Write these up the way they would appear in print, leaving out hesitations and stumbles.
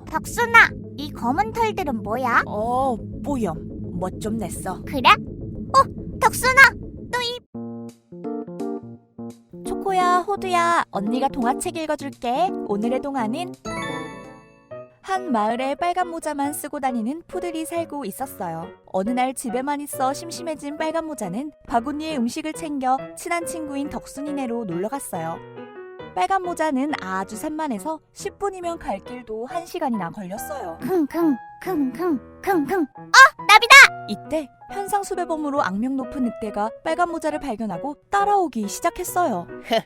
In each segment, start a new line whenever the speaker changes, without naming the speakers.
덕순아, 이 검은 털들은 뭐야?
뽀염. 멋 좀 냈어.
그래? 덕순아, 또 이...
초코야, 호두야, 언니가 동화책 읽어줄게. 오늘의 동화는 한 마을에 빨간 모자만 쓰고 다니는 푸들이 살고 있었어요. 어느 날 집에만 있어 심심해진 빨간 모자는 바구니에 음식을 챙겨 친한 친구인 덕순이네로 놀러갔어요. 빨간 모자는 아주 산만해서 10분이면 갈 길도 1시간이나 걸렸어요.
킁킁킁킁킁킁. 나비다!
이때 현상수배범으로 악명 높은 늑대가 빨간 모자를 발견하고 따라오기 시작했어요.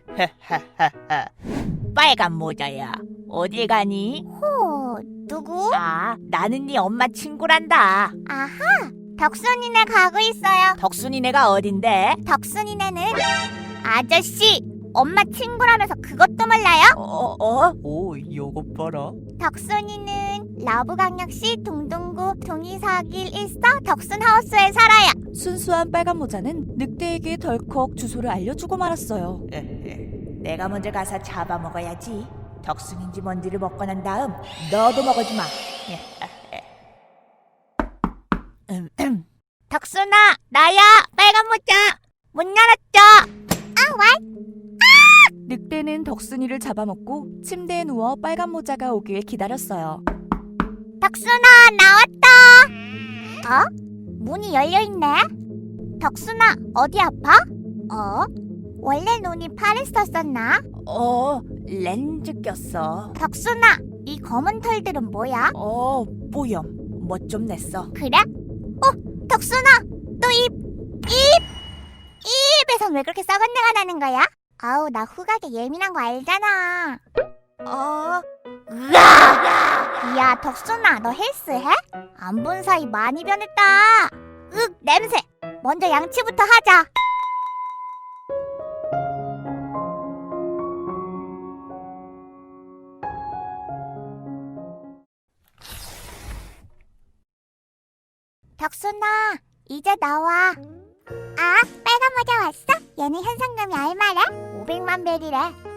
빨간 모자야, 어디 가니?
누구?
나는 네 엄마 친구란다.
아하, 덕순이네 가고 있어요.
덕순이네가 어딘데?
덕순이네는 아저씨, 엄마 친구라면서 그것도 몰라요?
오, 요거 봐라.
덕순이는 러브강역시 동동구 동이사길 1서 덕순하우스에 살아요.
순수한 빨간 모자는 늑대에게 덜컥 주소를 알려주고 말았어요.
내가 먼저 가서 잡아먹어야지. 덕순인지 뭔지를 먹고 난 다음 너도 먹어주마.
덕순아, 나야, 빨간 모자. 문 열었죠?
늑대는 덕순이를 잡아먹고 침대에 누워 빨간 모자가 오길 기다렸어요.
덕순아, 나왔다. 문이 열려있네. 덕순아, 어디 아파? 원래 눈이 파랬었었나?
렌즈 꼈어.
덕순아, 이 검은 털들은 뭐야?
뽀염. 멋 좀 냈어.
그래? 덕순아, 또 입에선 왜 그렇게 썩은 내가 나는 거야? 아우, 나 후각에 예민한 거 알잖아. 야, 덕순아, 너 헬스해? 안 본 사이 많이 변했다. 냄새. 먼저 양치부터 하자. 덕순아, 이제 나와. 빨간 모자 왔어? 얘는 현상금이 얼마래? 500만 벨이래.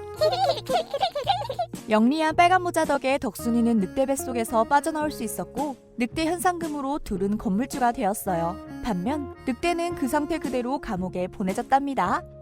영리한 빨간 모자 덕에 덕순이는 늑대 뱃속에서 빠져나올 수 있었고 늑대 현상금으로 둘은 건물주가 되었어요. 반면 늑대는 그 상태 그대로 감옥에 보내졌답니다.